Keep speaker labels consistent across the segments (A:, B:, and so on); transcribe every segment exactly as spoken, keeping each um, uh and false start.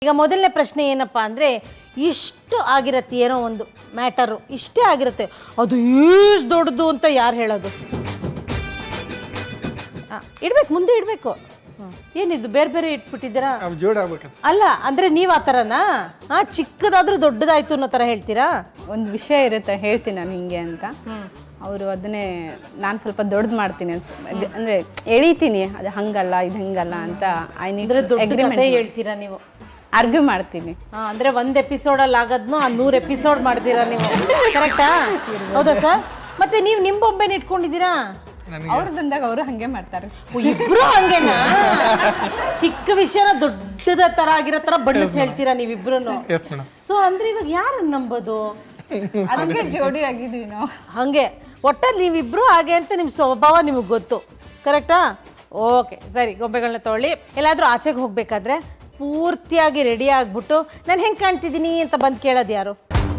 A: ಈಗ ಮೊದಲನೇ ಪ್ರಶ್ನೆ ಏನಪ್ಪ ಅಂದರೆ, ಇಷ್ಟು ಆಗಿರತ್ತೆ ಏನೋ ಒಂದು ಮ್ಯಾಟರು, ಇಷ್ಟೇ ಆಗಿರುತ್ತೆ, ಅದು ಇಷ್ಟು ದೊಡ್ಡದು ಅಂತ ಯಾರು ಹೇಳೋದು? ಹಾಂ, ಇಡಬೇಕು, ಮುಂದೆ ಇಡಬೇಕು. ಏನಿದು ಬೇರೆ ಬೇರೆ ಇಟ್ಬಿಟ್ಟಿದ್ದೀರಾ? ಅಲ್ಲ ಅಂದರೆ ನೀವು ಆ ಥರನಾ? ಹಾಂ, ಚಿಕ್ಕದಾದ್ರೂ ದೊಡ್ಡದಾಯ್ತು ಅನ್ನೋ ಥರ ಹೇಳ್ತೀರಾ?
B: ಒಂದು ವಿಷಯ ಇರುತ್ತೆ, ಹೇಳ್ತೀನಿ ನಾನು ಹಿಂಗೆ ಅಂತ. ಅವರು ಅದನ್ನೇ ನಾನು ಸ್ವಲ್ಪ ದೊಡ್ಡದು ಮಾಡ್ತೀನಿ ಅಂದರೆ ಎಳಿತೀನಿ, ಅದು ಹಂಗಲ್ಲ ಇದು ಹಂಗಲ್ಲ ಅಂತ. ಐ ನೀಡ್
A: ಅಗ್ರಿಮೆಂಟ್ ಹೇಳ್ತೀರಾ ನೀವು?
B: ಆರ್ಗ್ಯೂ ಮಾಡ್ತೀನಿ.
A: ಹಾಂ, ಅಂದರೆ ಒಂದು ಎಪಿಸೋಡಲ್ಲಿ ಆಗೋದ್ನು ಆ ನೂರು ಎಪಿಸೋಡ್ ಮಾಡ್ತೀರಾ ನೀವು, ಕರೆಕ್ಟಾ? ಹೌದಾ ಸರ್? ಮತ್ತೆ ನೀವು ನಿಮ್ಮ ಬೊಂಬೆನ ಇಟ್ಕೊಂಡಿದ್ದೀರಾ?
B: ಅವ್ರು ಬಂದಾಗ ಅವರು ಹಂಗೆ ಮಾಡ್ತಾರೆ.
A: ಇಬ್ರು ಹಂಗೇನಾ? ಚಿಕ್ಕ ವಿಷಯನ ದೊಡ್ಡದ ತರ ಆಗಿರೋ ತರ ಬಣ್ಣಿಸಿ ಹೇಳ್ತೀರಾ ನೀವಿಬ್ರು. ಸೊ ಅಂದ್ರೆ ಇವಾಗ ಯಾರನ್ನ ನಂಬೋದು?
B: ಅದಕ್ಕೆ ಜೋಡಿ ಆಗಿದ್ವಿ ನಾವು.
A: ಹಂಗೆ ಒಟ್ಟಲ್ಲಿ ನೀವಿಬ್ರು ಹಾಗೆ ಅಂತ ನಿಮ್ಮ ಸ್ವಭಾವ ನಿಮಗೆ ಗೊತ್ತು, ಕರೆಕ್ಟಾ? ಓಕೆ, ಸರಿ. ಗೊಂಬೆಗಳನ್ನ ತೊಗೊಳ್ಳಿ. ಎಲ್ಲಾದರೂ ಆಚೆಗೆ ಹೋಗ್ಬೇಕಾದ್ರೆ ಪೂರ್ತಿಯಾಗಿ ರೆಡಿ ಆಗ್ಬಿಟ್ಟು ನಾನು ಹೆಂಗೆ ಕಾಣ್ತಿದ್ದೀನಿ ಅಂತ ಬಂದು ಕೇಳೋದು ಯಾರು?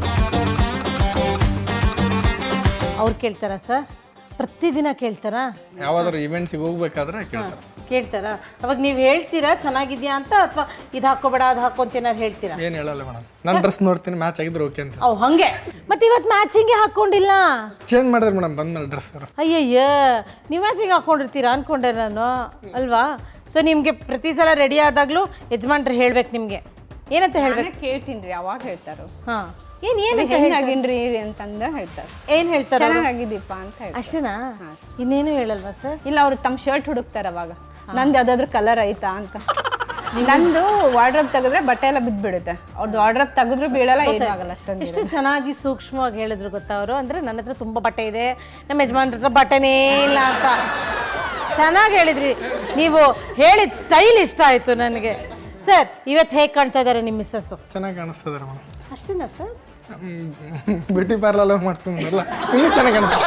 A: ಅವ್ರು ಕೇಳ್ತಾರಾ ಸರ್? ಪ್ರತಿದಿನ ಕೇಳ್ತಾರಾ?
C: ಯಾವ್ದಾದ್ರು ಇವೆಂಟ್ಸಿಗೆ ಹೋಗ್ಬೇಕಾದ್ರೆ ಕೇಳ್ತಾರೆ.
A: ಕೇಳ್ತಾರಾ? ಅವಾಗ ನೀವು ಹೇಳ್ತೀರಾ ಚೆನ್ನಾಗಿದ್ಯಾ ಅಂತ, ಅಥವಾ ಇದು ಹಾಕೋಬೇಡ ಅದು ಹಾಕೋ ಅಂತ ಏನಾರು ಹೇಳ್ತೀರಾ?
C: ಏನು ಹೇಳಲ್ಲ ಮೇಡಮ್, ನಾನು ಡ್ರೆಸ್ ನೋಡ್ತೀನಿ, ಮ್ಯಾಚ್ ಆಗಿದ್ರೆ ಓಕೆ ಅಂತ.
A: ಅವ್ ಹಂಗೆ. ಮತ್ತೆ ಇವತ್ತು ಮ್ಯಾಚಿಂಗ್ಗೆ ಹಾಕ್ಕೊಂಡಿಲ್ಲ?
C: ಚೇಂಜ್ ಮಾಡಿದ್ರೆ ಮೇಡಮ್ ಬಂದ್ಮೇಲೆ ಡ್ರೆಸ್.
A: ಅಯ್ಯಯ್ಯ, ನೀವು ಮ್ಯಾಚಿಂಗ್ ಹಾಕ್ಕೊಂಡಿರ್ತೀರಾ ಅನ್ಕೊಂಡೆ ನಾನು, ಅಲ್ವಾ? ಸೊ ನಿಮಗೆ ಪ್ರತಿ ಸಲ ರೆಡಿ ಆದಾಗಲೂ ಯಜಮಾನ್ರು ಹೇಳ್ಬೇಕು ನಿಮಗೆ ಏನಂತ ಹೇಳ್ಬೇಕು?
B: ಕೇಳ್ತೀನಿ ರೀ, ಅವಾಗ ಹೇಳ್ತಾರೋ.
A: ಹಾಂ, ಏನು ಏನು
B: ಹೆಂಗಾಗಿನ್ರಿ ಅಂತಂದು ಹೇಳ್ತಾರೆ.
A: ಏನು ಹೇಳ್ತಾರೆ?
B: ಚೆನ್ನಾಗಿದ್ದೀಪ ಅಂತ ಹೇಳ್ತಾರೆ.
A: ಅಷ್ಟೇನಾ? ಇನ್ನೇನು ಹೇಳಲ್ವಾ ಸರ್?
B: ಇಲ್ಲ, ಅವ್ರು ತಮ್ಮ ಶರ್ಟ್ ಹುಡುಕ್ತಾರೆ ಅವಾಗ, ನಂದು ಯಾವುದಾದ್ರೂ ಕಲರ್ ಐತಾ ಅಂತ. ನಂದು ವಾರ್ಡ್ರೋಬ್ ತೆಗೆದ್ರೆ ಬಟ್ಟೆ ಎಲ್ಲ ಬಿದ್ದುಬಿಡುತ್ತೆ, ಅವ್ರದ್ದು ವಾರ್ಡ್ರೋಬ್ ತೆಗೆದ್ರು ಬೀಳಲ್ಲ, ಏನೂ ಆಗಲ್ಲ. ಅಷ್ಟೊಂದು
A: ಎಷ್ಟು ಚೆನ್ನಾಗಿ ಸೂಕ್ಷ್ಮವಾಗಿ ಹೇಳಿದ್ರು ಗೊತ್ತಾ ಅವರು. ಅಂದರೆ ನನ್ನ ಹತ್ರ ತುಂಬ ಬಟ್ಟೆ ಇದೆ, ನಮ್ಮ ಯಜಮಾನ್ರ ಹತ್ರ ಬಟ್ಟೆನೇ ಇಲ್ಲ ಅಂತ ಚೆನ್ನಾಗಿ ಹೇಳಿದ್ರಿ. ನೀವು ಹೇಳಿದ ಸ್ಟೈಲ್ ಇಷ್ಟ ಆಯಿತು ನನಗೆ. ಸರ್, ಇವತ್ತು ಹೇಗೆ ಕಾಣ್ತಾ ಇದ್ದಾರೆ ನಿಮ್ಮ ಮಿಸ್ಸಸ್ಸು?
C: ಚೆನ್ನಾಗಿ ಕಾಣಿಸ್ತದಾರೆ ಮೇಡಮ್.
A: ಅಷ್ಟೇನಾ ಸರ್?
C: ಬ್ಯೂಟಿ ಪಾರ್ಲರ್ ಮಾಡ್ಸ್ಕೊಂಡ್ರಲ್ಲ, ಇನ್ನೂ ಚೆನ್ನಾಗಿ ಕಾಣಿಸ್ತದೆ.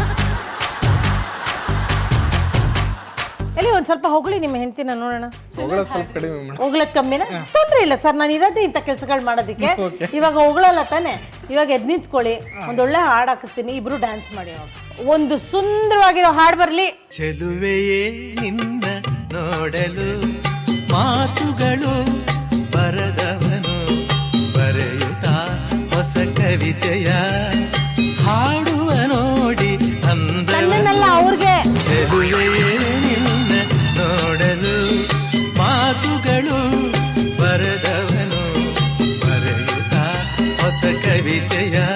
A: ಎಲ್ಲಿ ಒಂದು ಸ್ವಲ್ಪ ಹೊಗಳಿ ನಿಮ್ಮ ಹೆಂಡ್ತಿನ ನೋಡೋಣ.
C: ಹೊಗಳೋದು ಸ್ವಲ್ಪ ಕಡಿಮೆ ಮೇಡಮ್.
A: ಹೊಗಳದ್ ಕಮ್ಮಿನ? ತೊಂದರೆ ಇಲ್ಲ ಸರ್, ನಾನು ಇರೋದೇ ಇಂಥ ಕೆಲಸಗಳು ಮಾಡೋದಕ್ಕೆ. ಇವಾಗ ಹೊಗಳಲ್ಲ ತಾನೆ, ಇವಾಗ ಎದ್ದು ನಿಂತ್ಕೊಳ್ಳಿ, ಒಂದೊಳ್ಳೆ ಹಾಡು ಹಾಕಿಸ್ತೀನಿ, ಇಬ್ರು ಡ್ಯಾನ್ಸ್ ಮಾಡಿ. ಒಂದು ಸುಂದರವಾಗಿರೋ ಹಾಡು ಬರಲಿ.
D: ಚೆಲುವೆಯೇ ನಿನ್ನ ನೋಡಲು ಮಾತುಗಳು ಬರದವನು ಬರೆಯುತ್ತಾ ಹೊಸ ಕವಿತೆಯ ಹಾಡುವ ನೋಡಿ
A: ನನ್ನನ್ನೆಲ್ಲ ಅವ್ರಿಗೆ.
D: ಚೆಲುವೆಯೇ ನಿನ್ನ ನೋಡಲು ಮಾತುಗಳು ಬರದವನು ಬರೆಯುತ್ತಾ ಹೊಸ ಕವಿತೆಯ